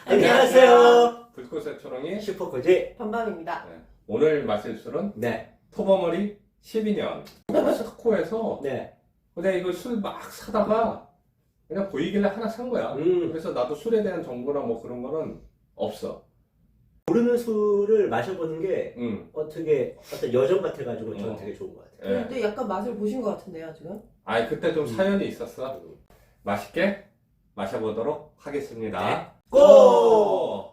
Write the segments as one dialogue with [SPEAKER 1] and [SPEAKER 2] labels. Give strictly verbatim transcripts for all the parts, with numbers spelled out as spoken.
[SPEAKER 1] 안녕하세요.
[SPEAKER 2] 불꽃의 초롱이
[SPEAKER 1] 슈퍼코지
[SPEAKER 3] 반반입니다.
[SPEAKER 2] 네. 오늘 마실 술은
[SPEAKER 1] 네.
[SPEAKER 2] 토버머리 십이 년 코스트코에서
[SPEAKER 1] 네.
[SPEAKER 2] 내가 이거 술 막 사다가 그냥 보이길래 하나 산 거야.
[SPEAKER 1] 음.
[SPEAKER 2] 그래서 나도 술에 대한 정보나 뭐 그런 거는 없어.
[SPEAKER 1] 모르는 술을 마셔보는 게
[SPEAKER 2] 응.
[SPEAKER 1] 어떻게 어떤 여정 같아가지고 저는
[SPEAKER 2] 어.
[SPEAKER 1] 되게 좋은 것 같아요.
[SPEAKER 2] 예.
[SPEAKER 3] 근데 약간 맛을 보신 것 같은데요, 지금?
[SPEAKER 2] 아이 그때 좀
[SPEAKER 1] 음.
[SPEAKER 2] 사연이 있었어. 맛있게 마셔보도록 하겠습니다.
[SPEAKER 1] 네. 고!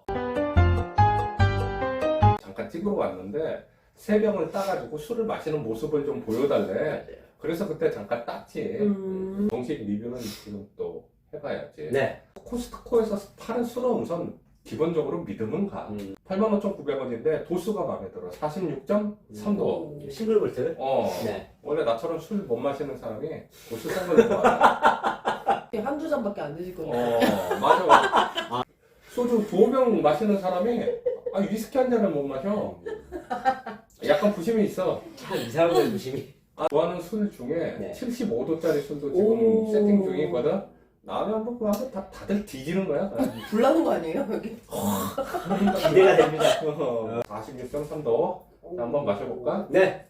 [SPEAKER 2] 잠깐 찍으러 왔는데 세 병을 따가지고 술을 마시는 모습을 좀 보여달래. 그래서 그때 잠깐 땄지.
[SPEAKER 3] 음.
[SPEAKER 2] 정식 리뷰는 지금 또 해봐야지.
[SPEAKER 1] 네.
[SPEAKER 2] 코스트코에서 파는 술은 우선 기본적으로 믿음은 가.
[SPEAKER 1] 음.
[SPEAKER 2] 팔만 오천구백 원인데 도수가 마음에 들어. 사십육 점 삼 도.
[SPEAKER 1] 음. 싱글 몰트.
[SPEAKER 2] 어.
[SPEAKER 1] 네.
[SPEAKER 2] 원래 나처럼 술 못 마시는 사람이 도수 센 걸 좋아해.
[SPEAKER 3] 한두 잔밖에 안 드실 거니까.
[SPEAKER 2] 어, 맞아. 소주 두 병 마시는 사람이 아, 위스키 한 잔을 못 마셔. 약간 부심이 있어.
[SPEAKER 1] 참 이상한 걸 조심히.
[SPEAKER 2] 아, 좋아하는 술 중에
[SPEAKER 1] 네.
[SPEAKER 2] 칠십오 도짜리 술도 지금
[SPEAKER 3] 오.
[SPEAKER 2] 세팅 중이거든. 나는 한번 봐도 다, 다들 뒤지는 거야.
[SPEAKER 3] 불나는 거 아니에요, 여기?
[SPEAKER 1] 기대가 됩니다.
[SPEAKER 2] 사십육 점 삼 도. 자, 한번 마셔볼까?
[SPEAKER 1] 네.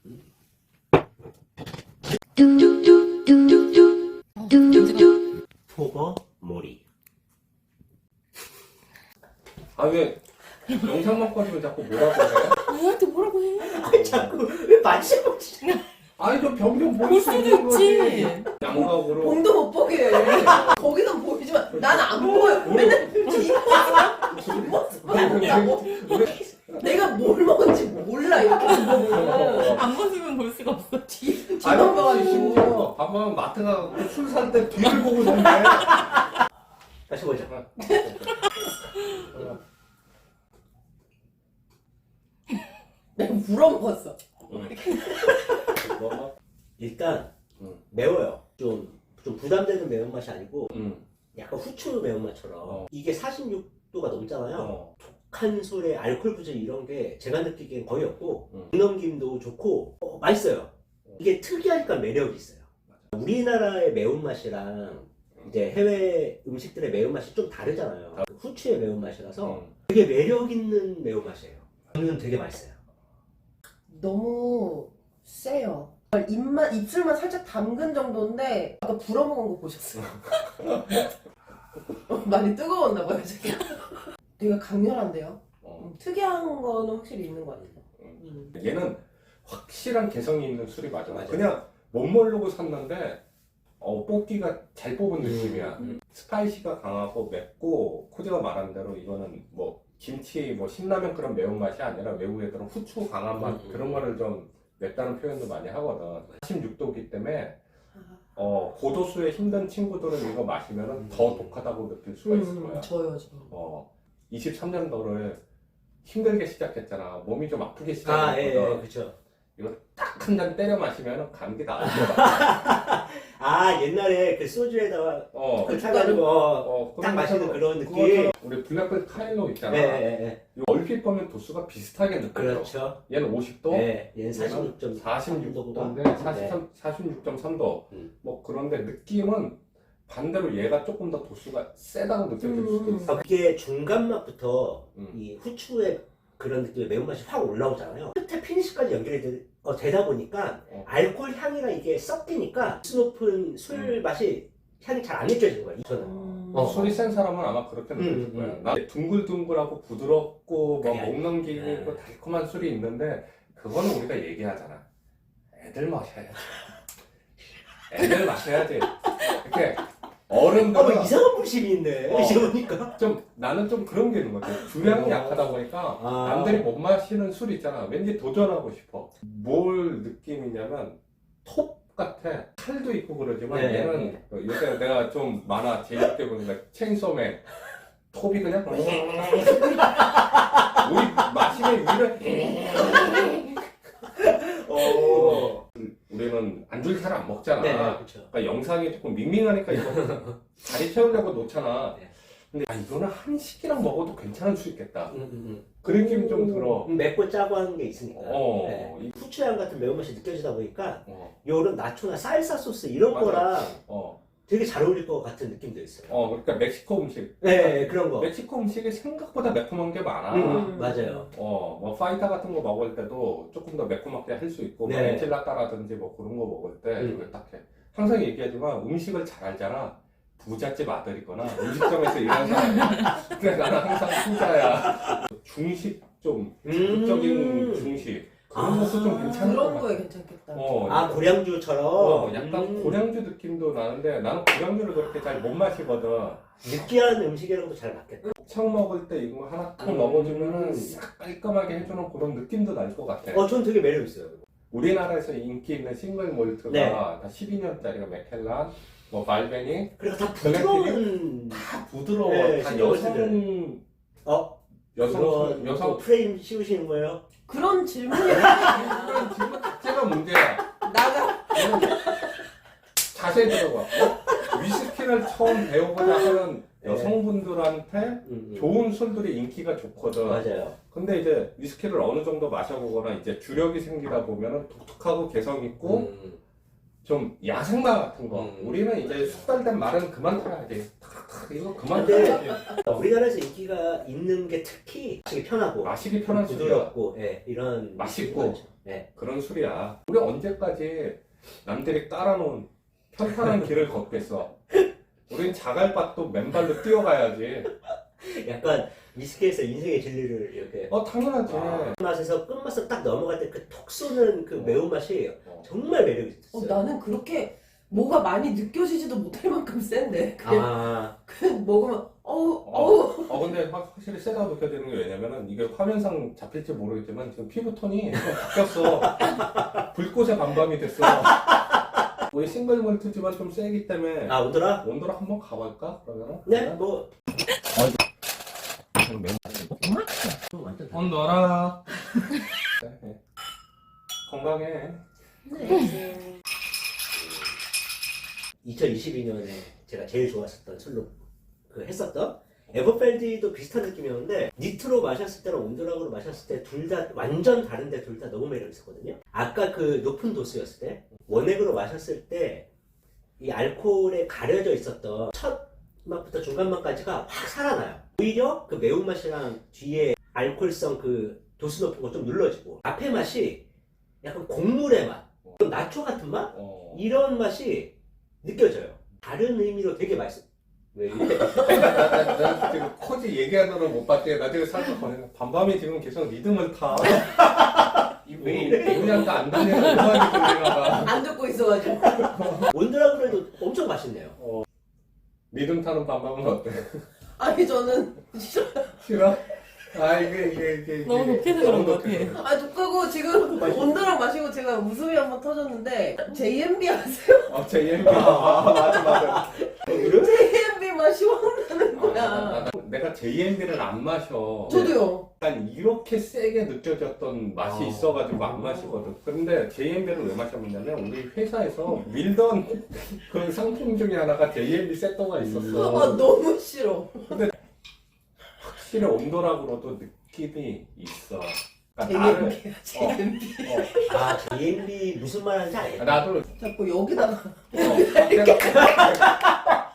[SPEAKER 1] 토버 모리.
[SPEAKER 2] 아, 왜 영상만 꺼지면 자꾸 뭐라고 해?
[SPEAKER 3] 누구한테 뭐라고 해?
[SPEAKER 1] 아니 자꾸 왜 마시고
[SPEAKER 2] 아니, 저 병 좀
[SPEAKER 3] 볼
[SPEAKER 2] 보일 수
[SPEAKER 3] 수도
[SPEAKER 2] 있는 거지.
[SPEAKER 3] 있지.
[SPEAKER 2] 양각으로.
[SPEAKER 3] 봉도 못 보게 해요, 여기. 거기는 보이지만 나는 안 보여. 맨날 뒷모습만 본다고. 내가 뭘 먹은지 몰라, 이렇게 보면.
[SPEAKER 4] 안 벗으면 볼 수가 없어.
[SPEAKER 3] 뒤,
[SPEAKER 2] 아니,
[SPEAKER 3] 뒤만 봐가지고.
[SPEAKER 2] 심지어 밥만 마트 가고 술 살 때 뒤를 보고 산대.
[SPEAKER 1] 다시 보자.
[SPEAKER 3] 내가 물어먹었어.
[SPEAKER 2] 뭐?
[SPEAKER 1] 일단
[SPEAKER 2] 음.
[SPEAKER 1] 매워요. 좀, 좀 부담되는 매운맛이 아니고
[SPEAKER 2] 응.
[SPEAKER 1] 약간 후추 매운맛처럼
[SPEAKER 2] 어.
[SPEAKER 1] 이게 사십육 도가 넘잖아요.
[SPEAKER 2] 어.
[SPEAKER 1] 독한 술에 알코올 부전 이런 게 제가 느끼기엔 거의 없고
[SPEAKER 2] 음.
[SPEAKER 1] 넘김도 좋고 어, 맛있어요. 이게 특이하니까 매력이 있어요. 우리나라의 매운맛이랑 이제 해외 음식들의 매운맛이 좀 다르잖아요. 그 후추의 매운맛이라서
[SPEAKER 2] 응.
[SPEAKER 1] 되게 매력 있는 매운맛이에요. 저는 되게 맛있어요.
[SPEAKER 3] 너무 세요. 입만, 입술만 살짝 담근 정도인데 아까 불어먹은 거 보셨어요? 어, 많이 뜨거웠나 봐요, 지금. 되게 강렬한데요?
[SPEAKER 2] 어.
[SPEAKER 3] 음, 특이한 거는 확실히 있는 것 같아요. 음.
[SPEAKER 2] 얘는 확실한 개성이 있는 술이 맞아.
[SPEAKER 1] 맞아요.
[SPEAKER 2] 그냥 못 모르고 샀는데 어, 뽑기가 잘 뽑은 느낌이야.
[SPEAKER 3] 음.
[SPEAKER 2] 스파이시가 강하고 맵고 코디가 말한 대로 이거는 뭐 김치 뭐 신라면 그런 매운맛이 아니라 외국 애들은 후추 강한 맛
[SPEAKER 1] 음.
[SPEAKER 2] 그런 거를 좀 맵다는 표현도 많이 하거든. 사십육 도기 때문에
[SPEAKER 3] 아.
[SPEAKER 2] 어, 고도수에 힘든 친구들은 이거 마시면
[SPEAKER 1] 음.
[SPEAKER 2] 더 독하다고 느낄 수가 있을
[SPEAKER 3] 음,
[SPEAKER 2] 거야.
[SPEAKER 3] 저요, 저.
[SPEAKER 2] 어, 이십삼 년도를 힘들게 시작했잖아. 몸이 좀 아프게
[SPEAKER 1] 아,
[SPEAKER 2] 시작했거든.
[SPEAKER 1] 예, 예, 그렇죠.
[SPEAKER 2] 딱 한 잔 때려 마시면 감기 다 알더라.
[SPEAKER 1] 아, 옛날에 그 소주에다가
[SPEAKER 2] 어,
[SPEAKER 1] 그 타가지고 어,
[SPEAKER 2] 어,
[SPEAKER 1] 딱 마시는 그런 느낌.
[SPEAKER 2] 그것처럼 우리 블랙벨 카일로 있잖아.
[SPEAKER 1] 네, 네, 네.
[SPEAKER 2] 이거 얼핏 보면 도수가 비슷하게 느껴져.
[SPEAKER 1] 그렇죠.
[SPEAKER 2] 얘는 오십 도,
[SPEAKER 1] 네, 얘는 사십육 점
[SPEAKER 2] 사십육 도인데 사십삼, 사십육 점 삼 도.
[SPEAKER 1] 음.
[SPEAKER 2] 뭐 그런데 느낌은 반대로 얘가 조금 더 도수가 세다고 느껴질 수도
[SPEAKER 3] 음.
[SPEAKER 2] 있어.
[SPEAKER 1] 그게 중간 맛부터
[SPEAKER 2] 음.
[SPEAKER 1] 이 후추의 그런 느낌의 매운맛이 확 올라오잖아요. 끝에 피니시까지 연결이 되, 어, 되다 보니까
[SPEAKER 2] 어.
[SPEAKER 1] 알코올 향이랑 이게 섞이니까 수 높은 술 맛이 향이 잘 안 느껴지는 거예요. 저는.
[SPEAKER 3] 음.
[SPEAKER 2] 어, 술이 센 사람은 아마 그렇게 느낄
[SPEAKER 1] 음,
[SPEAKER 2] 거야.
[SPEAKER 1] 음.
[SPEAKER 2] 나 둥글둥글하고 부드럽고
[SPEAKER 1] 그게
[SPEAKER 2] 뭐 목 넘기고
[SPEAKER 1] 네.
[SPEAKER 2] 달콤한 술이 있는데 그거는 우리가 얘기하잖아. 애들 마셔야지. 애들 마셔야지. 이렇게
[SPEAKER 1] 어, 뭐
[SPEAKER 2] 어른들은
[SPEAKER 1] 이상한 불심이 있네.
[SPEAKER 2] 어.
[SPEAKER 1] 이제 보니까.
[SPEAKER 2] 좀 나는 좀 그런 게 있는 것 같아. 주량이
[SPEAKER 1] 어.
[SPEAKER 2] 약하다 보니까
[SPEAKER 1] 아.
[SPEAKER 2] 남들이 못 마시는 술 있잖아. 왠지 도전하고 싶어. 뭘 느낌이냐면 톱 같아. 칼도 있고 그러지만
[SPEAKER 1] 네,
[SPEAKER 2] 얘는
[SPEAKER 1] 네.
[SPEAKER 2] 요새 내가 좀 만화 재밌게 보니까 체인소맨 톱이 그냥 우리 마시면 위를
[SPEAKER 1] 어.
[SPEAKER 2] 우리는 안주를 잘 안 먹잖아.
[SPEAKER 1] 네, 그렇죠.
[SPEAKER 2] 그러니까 영상이 조금 밍밍하니까 이거 다리 채우려고 놓잖아.
[SPEAKER 1] 네.
[SPEAKER 2] 근데 아, 이거는 한식이랑 먹어도 괜찮을 수 있겠다.
[SPEAKER 1] 음, 음,
[SPEAKER 2] 그 느낌이 좀 들어.
[SPEAKER 1] 음. 맵고 짜고 하는 게 있으니까.
[SPEAKER 2] 어.
[SPEAKER 1] 네. 후추향 같은 매운맛이 느껴지다 보니까
[SPEAKER 2] 어,
[SPEAKER 1] 요런 나초나 쌀사 소스 이런
[SPEAKER 2] 맞아.
[SPEAKER 1] 거랑
[SPEAKER 2] 어.
[SPEAKER 1] 되게 잘 어울릴 것 같은 느낌도 있어요.
[SPEAKER 2] 어, 그러니까 멕시코 음식.
[SPEAKER 1] 네, 그런 거.
[SPEAKER 2] 멕시코 음식이 생각보다 매콤한 게 많아.
[SPEAKER 1] 음, 맞아요.
[SPEAKER 2] 어, 뭐 파이타 같은 거 먹을 때도 조금 더 매콤하게 할 수 있고, 뭐
[SPEAKER 1] 네.
[SPEAKER 2] 엔칠라다라든지 뭐 그런 거 먹을 때
[SPEAKER 1] 음.
[SPEAKER 2] 이걸 딱 해. 항상 얘기하지만 음식을 잘 알잖아. 부잣집 아들이거나 음식점에서 일하는 사람이야. 근데 나는 항상 후자야. 중식 좀 자극적인
[SPEAKER 1] 음.
[SPEAKER 2] 중식 그런
[SPEAKER 1] 아,
[SPEAKER 2] 것도 좀 괜찮은 것
[SPEAKER 3] 그런
[SPEAKER 2] 같아.
[SPEAKER 3] 거에 괜찮겠다.
[SPEAKER 2] 어,
[SPEAKER 1] 아, 고량주처럼.
[SPEAKER 2] 어, 약간
[SPEAKER 1] 음.
[SPEAKER 2] 고량주 느낌도 나는데 나는 고량주를 그렇게 잘 못 마시거든.
[SPEAKER 1] 느끼한 음식이랑도 잘 맞겠다.
[SPEAKER 2] 청 먹을 때 이거 하나 딱
[SPEAKER 1] 음.
[SPEAKER 2] 먹어주면은 싹 깔끔하게 해주는 그런 느낌도 날 것 같아.
[SPEAKER 1] 어, 전 되게 매력있어요.
[SPEAKER 2] 우리나라에서 인기 있는 싱글 몰트가
[SPEAKER 1] 네.
[SPEAKER 2] 다 십이 년짜리가 맥켈란, 뭐 발베니
[SPEAKER 1] 그리고 다 부드러운.
[SPEAKER 2] 다 부드러워.
[SPEAKER 1] 네,
[SPEAKER 2] 다
[SPEAKER 1] 신경
[SPEAKER 2] 여성
[SPEAKER 1] 어?
[SPEAKER 2] 여성
[SPEAKER 1] 그건
[SPEAKER 2] 여성
[SPEAKER 1] 또 프레임 씌우시는 거예요?
[SPEAKER 3] 그런 질문이
[SPEAKER 2] 그런 질문 자체가 문제야.
[SPEAKER 3] 나가.
[SPEAKER 2] 자세히 들어봐. 어? 위스키를 처음 배워보자 하는
[SPEAKER 1] 네.
[SPEAKER 2] 여성분들한테
[SPEAKER 1] 음, 음.
[SPEAKER 2] 좋은 술들이 인기가 좋거든.
[SPEAKER 1] 맞아요.
[SPEAKER 2] 근데 이제 위스키를 어느 정도 마셔보거나 이제 주력이 생기다 보면은 독특하고 개성 있고
[SPEAKER 1] 음.
[SPEAKER 2] 좀 야생마 같은 거.
[SPEAKER 1] 음.
[SPEAKER 2] 우리는 이제 숙달된 말은 그만 타야지. 탁탁 이거 그만
[SPEAKER 1] 근데-
[SPEAKER 2] 타야지.
[SPEAKER 1] 우리나라에서 인기가 있는 게 특히 마시기 편하고
[SPEAKER 2] 마시기 편한 술이야.
[SPEAKER 1] 부드럽고 예, 이런
[SPEAKER 2] 맛있고.
[SPEAKER 1] 맛이 네.
[SPEAKER 2] 그런 술이야. 우리 언제까지 남들이 따라놓은 편탄한 길을 걷겠어? 우린 자갈밭도 맨발로 뛰어가야지.
[SPEAKER 1] 약간 위스키에서 인생의 진리를 이렇게
[SPEAKER 2] 어 당연하지.
[SPEAKER 1] 아, 맛에서 끝맛을 딱 넘어갈 때 그 톡 쏘는 그
[SPEAKER 2] 어.
[SPEAKER 1] 매운맛이
[SPEAKER 2] 어.
[SPEAKER 1] 정말 매력이
[SPEAKER 3] 어,
[SPEAKER 1] 있어요.
[SPEAKER 3] 나는 그렇게 뭐가 많이 느껴지지도 못할 만큼 센데 그냥,
[SPEAKER 1] 아,
[SPEAKER 3] 그냥 먹으면 어우
[SPEAKER 2] 어.
[SPEAKER 3] 어우
[SPEAKER 2] 어 근데 확- 확실히 세다고 느껴지는 게 왜냐면은 이게 화면상 잡힐지 모르겠지만 지금 피부 톤이 좀 바뀌었어. 불꽃의 밤밤이 됐어. 우리 싱글 몰트지만 좀 세기 때문에
[SPEAKER 1] 아 오더라?
[SPEAKER 2] 온도를 한번 가볼까? 그러면은?
[SPEAKER 1] 네, 뭐
[SPEAKER 2] 완전 온도라. 네. 건강해.
[SPEAKER 1] 이천이십이 년에 제가 제일 좋았었던 술로 그 했었던 에버펠디도 비슷한 느낌이었는데 니트로 마셨을 때랑 온드락으로 마셨을 때 둘 다 완전 다른데 둘 다 너무 매력 있었거든요. 아까 그 높은 도수였을 때 원액으로 마셨을 때 이 알코올에 가려져 있었던 첫 맛부터 중간 맛까지가 확 살아나요. 오히려 그 매운맛이랑 뒤에 알코올성 그 도수 높은 거 좀 눌러지고 앞에 맛이 약간 곡물의 맛, 좀 나초 같은 맛?
[SPEAKER 2] 어.
[SPEAKER 1] 이런 맛이 느껴져요. 다른 의미로 되게 맛있어. 왜 이렇게?
[SPEAKER 2] 나, 나 지금 코지 얘기하느라 못 봤대. 나 지금 살짝 거네. 밤밤이 지금 계속 리듬을 타.
[SPEAKER 1] 왜 이래?
[SPEAKER 2] 우리한테 안 다니는 음악이 들리나 봐.
[SPEAKER 3] 안 듣고 있어가지고
[SPEAKER 1] 온드라고 해도 엄청 맛있네요.
[SPEAKER 2] 리듬 타는 밤밤은 어때?
[SPEAKER 3] 아니 저는 싫어.
[SPEAKER 2] 싫어? 아 이게 이게 이게
[SPEAKER 4] 너무
[SPEAKER 2] 이게
[SPEAKER 4] 높게 들은
[SPEAKER 2] 너무
[SPEAKER 4] 것
[SPEAKER 2] 높게
[SPEAKER 4] 같아.
[SPEAKER 2] 들어.
[SPEAKER 3] 아 독하고 지금 온도랑 마시고 제가 웃음이 한번 터졌는데 제이엠비 아세요?
[SPEAKER 2] 어, 제이엠비. 아, 맞아, 맞아.
[SPEAKER 3] 제이엠비 맛이 확 나는
[SPEAKER 2] 아,
[SPEAKER 3] 거야.
[SPEAKER 2] 나- 나- 내가 제이엠비를 안 마셔.
[SPEAKER 3] 저도요.
[SPEAKER 2] 약간 이렇게 세게 느껴졌던 맛이
[SPEAKER 1] 아.
[SPEAKER 2] 있어가지고 안 마시거든. 근데 제이엠비를 왜 마셨냐면 우리 회사에서 밀던 그 상품 중에 하나가 제이엠비 세터가
[SPEAKER 3] 아
[SPEAKER 2] 있었어.
[SPEAKER 3] 너무 싫어.
[SPEAKER 2] 확실히 온도락으로도 느낌이 있어. 그러니까 나를
[SPEAKER 3] 제이엠비야 제이엠비.
[SPEAKER 2] 어,
[SPEAKER 1] 아, 제이엠비 무슨 말 하는지 알겠다.
[SPEAKER 2] 나도
[SPEAKER 3] 자꾸 여기다가
[SPEAKER 2] 어, 내가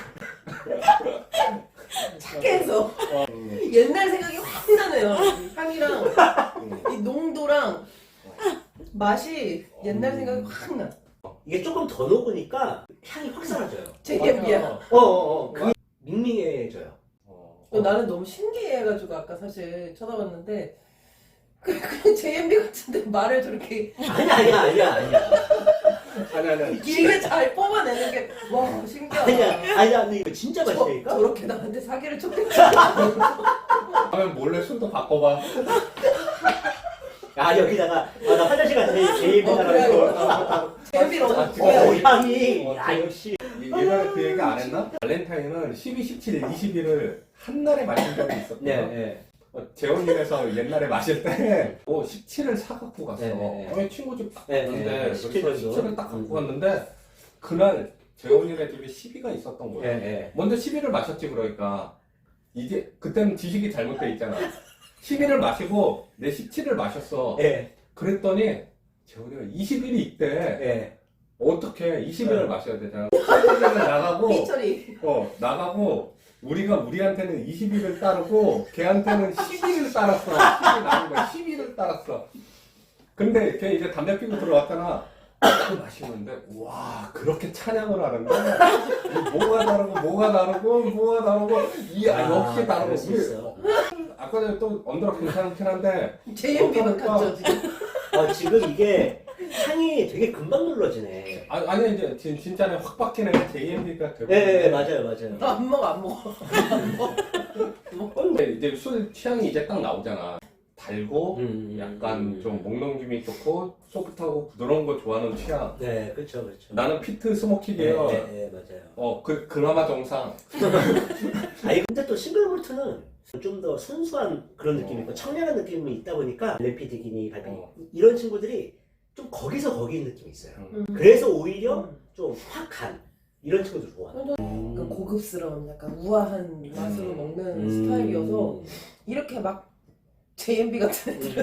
[SPEAKER 3] 착해서
[SPEAKER 2] 음,
[SPEAKER 3] 옛날 생각이 확 나네요. 향이랑
[SPEAKER 2] 음.
[SPEAKER 3] 이 농도랑 맛이 옛날 생각이 확 나.
[SPEAKER 1] 이게 조금 더 녹으니까 향이 확 사라져요.
[SPEAKER 3] 제이엠비야.
[SPEAKER 2] 맞아.
[SPEAKER 1] 어어어. 그게 밍밍해져요.
[SPEAKER 2] 어.
[SPEAKER 3] 어, 나는 너무 신기해가지고 아까 사실 쳐다봤는데 그- 그냥 제이엠비 같은데 말을 저렇게
[SPEAKER 1] 아니야, 아니야, 아니야, 아니야.
[SPEAKER 2] 아니 아니
[SPEAKER 3] 길게 잘 뽑아내는 게 와 신기하다.
[SPEAKER 1] 아니야, 아니야. 근데 이거 진짜
[SPEAKER 3] 저,
[SPEAKER 1] 맛있다니까?
[SPEAKER 3] 저렇게 나한테 사기를 쳤겠지.
[SPEAKER 2] 다음에 몰래 술도 바꿔봐.
[SPEAKER 1] 아, 여기다가, 아, 나 화장실 갔는데 제이엠비다라고.
[SPEAKER 3] 제이엠비를
[SPEAKER 2] 아,
[SPEAKER 3] 어떻게
[SPEAKER 2] 지금
[SPEAKER 1] 어,
[SPEAKER 3] 해요?
[SPEAKER 1] 향이.
[SPEAKER 2] 어,
[SPEAKER 1] 야, 역시.
[SPEAKER 2] 예전에 그 얘기 안 했나? 발렌타인은 십이, 십칠, 이십일을 한날에 마신 적이 있었거든.
[SPEAKER 1] 네, 네.
[SPEAKER 2] 어, 재혼이라서 옛날에 마실 때 어, 십칠을 사갖고 갔어.
[SPEAKER 1] 네, 네,
[SPEAKER 2] 어, 친구 집 딱
[SPEAKER 1] 네,
[SPEAKER 2] 갔는데
[SPEAKER 1] 네, 네. 십칠
[SPEAKER 2] 그래서
[SPEAKER 1] 정도.
[SPEAKER 2] 십칠을 딱 갖고
[SPEAKER 1] 음.
[SPEAKER 2] 갔는데 그날 재혼이네 집에 십이가 있었던 거야.
[SPEAKER 1] 네, 네.
[SPEAKER 2] 먼저 십일을 마셨지 그러니까 이게 그때는 지식이 잘못돼 있잖아. 십일을 마시고 내 십칠을 마셨어.
[SPEAKER 1] 네,
[SPEAKER 2] 그랬더니 재혼이가 이십일이 있대.
[SPEAKER 1] 네.
[SPEAKER 2] 어떻게 이십 일을 마셔야 되잖아. 팔십 일은 나가고
[SPEAKER 3] 삐처리.
[SPEAKER 2] 어 나가고 우리가 우리한테는 이십 일을 따르고 걔한테는 십 일을 따랐어. 십 일 남은 거야. 십 일을 따랐어. 근데 걔 이제 담배 피고 들어왔잖아. 딱 마시는데 와 그렇게 찬양을 하는데 뭐가 다르고 뭐가 다르고 뭐가 다르고 이야 역시 다르고
[SPEAKER 1] 그럴 수
[SPEAKER 2] 우리-
[SPEAKER 1] 있어.
[SPEAKER 2] 아까 전에 또 언더락 괜찮긴 한데
[SPEAKER 3] 제이엠비만
[SPEAKER 2] 어떨까?
[SPEAKER 3] 갔죠 지금.
[SPEAKER 1] 어, 지금 이게 향이 되게 금방 눌러지네.
[SPEAKER 2] 아, 아니 이제 진, 진짜는 확 바뀌네. 제이엠비가 되고
[SPEAKER 1] 예, 예, 맞아요, 맞아요.
[SPEAKER 3] 나 안 먹어 안 먹어. 안 먹어.
[SPEAKER 2] 근데 이제 술 취향이 이제 딱 나오잖아. 달고
[SPEAKER 1] 음,
[SPEAKER 2] 약간
[SPEAKER 1] 음,
[SPEAKER 2] 좀 목 넘김이 좋고 소프트하고 부드러운 거 좋아하는 취향.
[SPEAKER 1] 네, 그렇죠, 그렇죠.
[SPEAKER 2] 나는 피트
[SPEAKER 1] 네,
[SPEAKER 2] 스모키예요.
[SPEAKER 1] 네, 네, 맞아요.
[SPEAKER 2] 어, 그 그나마 정상.
[SPEAKER 1] 아니 근데 또 싱글몰트는 좀 더 순수한 그런 느낌이 있고 청량한 느낌이 있다 보니까 램피 디기니 발피
[SPEAKER 2] 어.
[SPEAKER 1] 이런 친구들이 좀 거기서 거기인 느낌이 있어요.
[SPEAKER 2] 음.
[SPEAKER 1] 그래서 오히려
[SPEAKER 3] 음.
[SPEAKER 1] 좀 확한 이런 친구들 좋아.
[SPEAKER 3] 그 고급스러운 약간 우아한 맛으로
[SPEAKER 2] 음.
[SPEAKER 3] 먹는
[SPEAKER 1] 음.
[SPEAKER 3] 스타일이어서 이렇게 막 제이엠비 같은 애들.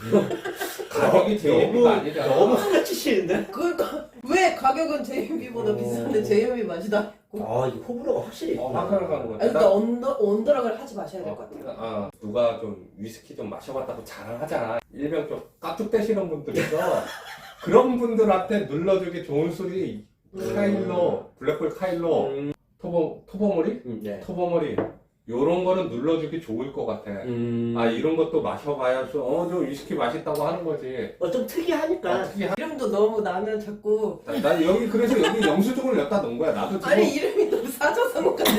[SPEAKER 2] 가격이 제이엠비가
[SPEAKER 1] 너무
[SPEAKER 2] 아니잖아.
[SPEAKER 1] 너무 하나치시는데?
[SPEAKER 3] 그러니까 왜 가격은 제이엠비보다
[SPEAKER 2] 어.
[SPEAKER 3] 비싼데 제이엠비 맛이 나?
[SPEAKER 1] 아 이거 호불호가 확실히
[SPEAKER 2] 어,
[SPEAKER 1] 있구나.
[SPEAKER 2] 확연히 가는 거야.
[SPEAKER 3] 아니 그러니까 언더 언더락을 하지 마셔야 될 것 같아요.
[SPEAKER 2] 아, 누가 좀 위스키 좀 마셔봤다고 자랑하잖아. 일명 좀 깍죽대시는 분들 있어. 그런 분들한테 눌러주기 좋은 술이 카일로, 블랙홀 카일로,
[SPEAKER 1] 음,
[SPEAKER 2] 토보, 토보머리?
[SPEAKER 1] 음, 네.
[SPEAKER 2] 토보머리. 요런 거는 눌러주기 좋을 것 같아.
[SPEAKER 1] 음,
[SPEAKER 2] 아, 이런 것도 마셔봐야 좀, 어, 좀 위스키 맛있다고 하는 거지.
[SPEAKER 1] 어, 좀 특이하니까.
[SPEAKER 2] 어떻게 하...
[SPEAKER 3] 이름도 너무 나는 자꾸
[SPEAKER 2] 나, 나 여기, 그래서 여기 영수증을 엿다 놓은 거야. 나도 지금.
[SPEAKER 3] 아니 이름이 너무 사자성어 같아.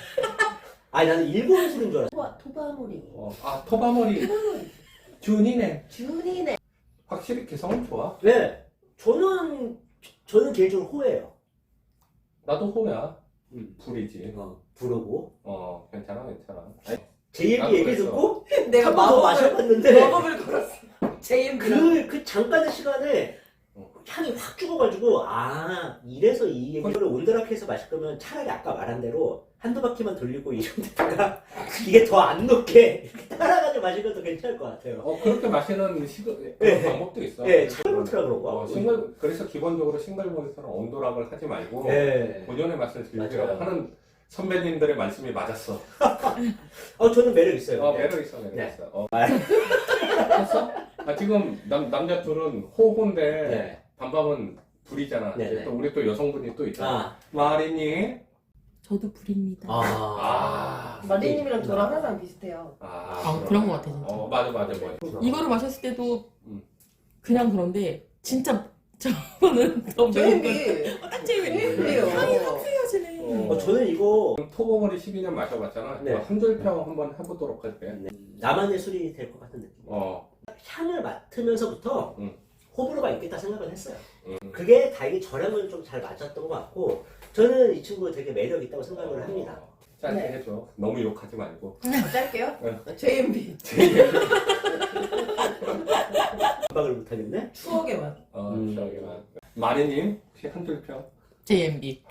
[SPEAKER 1] 아니 나는 일본 술인 줄 알았어.
[SPEAKER 3] 토바 토바모리.
[SPEAKER 2] 어, 아, 토바머리.
[SPEAKER 3] 토바모리.
[SPEAKER 2] 준이네.
[SPEAKER 3] 준이네.
[SPEAKER 2] 확실히 개성은 좋아.
[SPEAKER 1] 네, 저는 저는 개인적으로 호예요.
[SPEAKER 2] 나도 호야.
[SPEAKER 1] 음.
[SPEAKER 2] 불이지.
[SPEAKER 1] 어, 부르고
[SPEAKER 2] 어, 괜찮아, 괜찮아. 아니,
[SPEAKER 1] 제이엠비
[SPEAKER 2] 나도
[SPEAKER 1] 얘기
[SPEAKER 2] 그랬어.
[SPEAKER 1] 듣고
[SPEAKER 3] 내가
[SPEAKER 1] 한 번 더
[SPEAKER 3] 마법을
[SPEAKER 1] 마셔봤는데
[SPEAKER 3] 마법을 걸었어. 제이엠비랑.
[SPEAKER 1] 그, 그 잠깐의 시간에
[SPEAKER 2] 어.
[SPEAKER 1] 향이 확 죽어가지고 아 이래서 이 얘기를 온드락해서 마실 거면 차라리 아까 말한 대로 한두 바퀴만 돌리고 이런 데다가 이게 더 안 녹게 이렇게 따라가지고 마시면 더 괜찮을 것 같아요.
[SPEAKER 2] 어, 그렇게 마시는 시도, 그런
[SPEAKER 1] 네.
[SPEAKER 2] 방법도 있어.
[SPEAKER 1] 네, 싱글몰트라 그런 거.
[SPEAKER 2] 어, 싱글, 그래서 기본적으로 싱글몰트는 온도락을 하지 말고,
[SPEAKER 1] 네.
[SPEAKER 2] 본연의 맛을 즐기라고
[SPEAKER 1] 맞아요.
[SPEAKER 2] 하는 선배님들의 말씀이 맞았어.
[SPEAKER 1] 어 저는 매력 있어요.
[SPEAKER 2] 어,
[SPEAKER 1] 네.
[SPEAKER 2] 매력 있어, 매력
[SPEAKER 1] 네.
[SPEAKER 2] 있어. 어. 했어? 아, 지금 남, 남자 둘은 호호인데,
[SPEAKER 1] 네.
[SPEAKER 2] 밤밤은 불이잖아.
[SPEAKER 1] 네, 네.
[SPEAKER 2] 또 우리 또 여성분이 또 있잖아.
[SPEAKER 1] 아,
[SPEAKER 2] 마리니?
[SPEAKER 4] 저도 불입니다.
[SPEAKER 1] 아,
[SPEAKER 2] 아,
[SPEAKER 3] 마리님이랑 저랑 항상 비슷해요.
[SPEAKER 2] 아,
[SPEAKER 4] 아, 그런 것 같아, 진짜.
[SPEAKER 2] 어, 맞아, 맞아, 맞아.
[SPEAKER 4] 이거를 마셨을 때도
[SPEAKER 2] 음.
[SPEAKER 4] 그냥 그런데 진짜 저는 더
[SPEAKER 3] 제이엠비.
[SPEAKER 4] 딱 제이엠비.
[SPEAKER 3] 제이엠비예요.
[SPEAKER 4] 향이 확 헤어지네.
[SPEAKER 1] 어, 저는 이거
[SPEAKER 2] 토보머리 십이 년 마셔봤잖아.
[SPEAKER 1] 네.
[SPEAKER 2] 한 줄평 한번 해보도록 할게.
[SPEAKER 1] 네, 나만의 술이 될 것 같은 느낌.
[SPEAKER 2] 어,
[SPEAKER 1] 향을 맡으면서부터
[SPEAKER 2] 음.
[SPEAKER 1] 호불호가 있겠다 생각을 했어요.
[SPEAKER 2] 음.
[SPEAKER 1] 그게 다행히 저랑은 좀 잘 맞았던 것 같고 저는 이 친구 되게 매력 있다고 생각을 합니다.
[SPEAKER 2] 어, 짧게
[SPEAKER 3] 네.
[SPEAKER 2] 해줘. 너무 욕하지 말고.
[SPEAKER 3] 어, 짧게요?
[SPEAKER 2] 네.
[SPEAKER 3] 제이엠비.
[SPEAKER 1] 반박을 못하겠네.
[SPEAKER 3] 추억의 맛.
[SPEAKER 2] 어,
[SPEAKER 1] 음.
[SPEAKER 2] 저기만. 마리님, 혹시 한 줄평?
[SPEAKER 4] 제이엠비.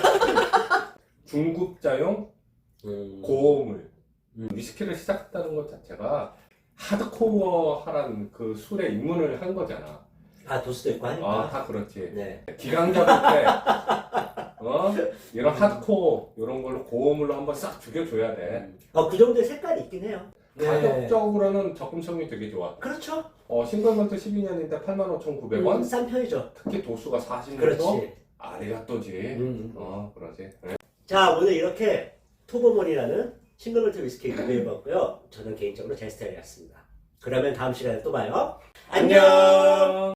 [SPEAKER 2] 중급자용
[SPEAKER 1] 음.
[SPEAKER 2] 고물.
[SPEAKER 1] 음.
[SPEAKER 2] 위스키를 시작했다는 것 자체가 하드코어한 그 술에 입문을 한 거잖아.
[SPEAKER 1] 아 도수도 있고 하니까.
[SPEAKER 2] 아, 다 그렇지.
[SPEAKER 1] 네.
[SPEAKER 2] 기강 잡을 때, 어? 이런 하드코어, 이런 걸로 고음으로 한번 싹 죽여줘야 돼.
[SPEAKER 1] 어그 정도의 색깔이 있긴 해요. 네.
[SPEAKER 2] 가격적으로는 접근성이 되게 좋아.
[SPEAKER 1] 그렇죠.
[SPEAKER 2] 어, 싱글먼트 십이 년인데 팔만 오천구백 원?
[SPEAKER 1] 음, 싼 편이죠.
[SPEAKER 2] 특히 도수가 사십 년에서
[SPEAKER 1] 그렇지.
[SPEAKER 2] 아래가 또지.
[SPEAKER 1] 음.
[SPEAKER 2] 어, 그러지.
[SPEAKER 1] 자 오늘 이렇게 토보몬이라는 싱글몰트 위스키 리뷰해봤고요. 저는 개인적으로 제 스타일이었습니다. 그러면 다음 시간에 또 봐요. 안녕.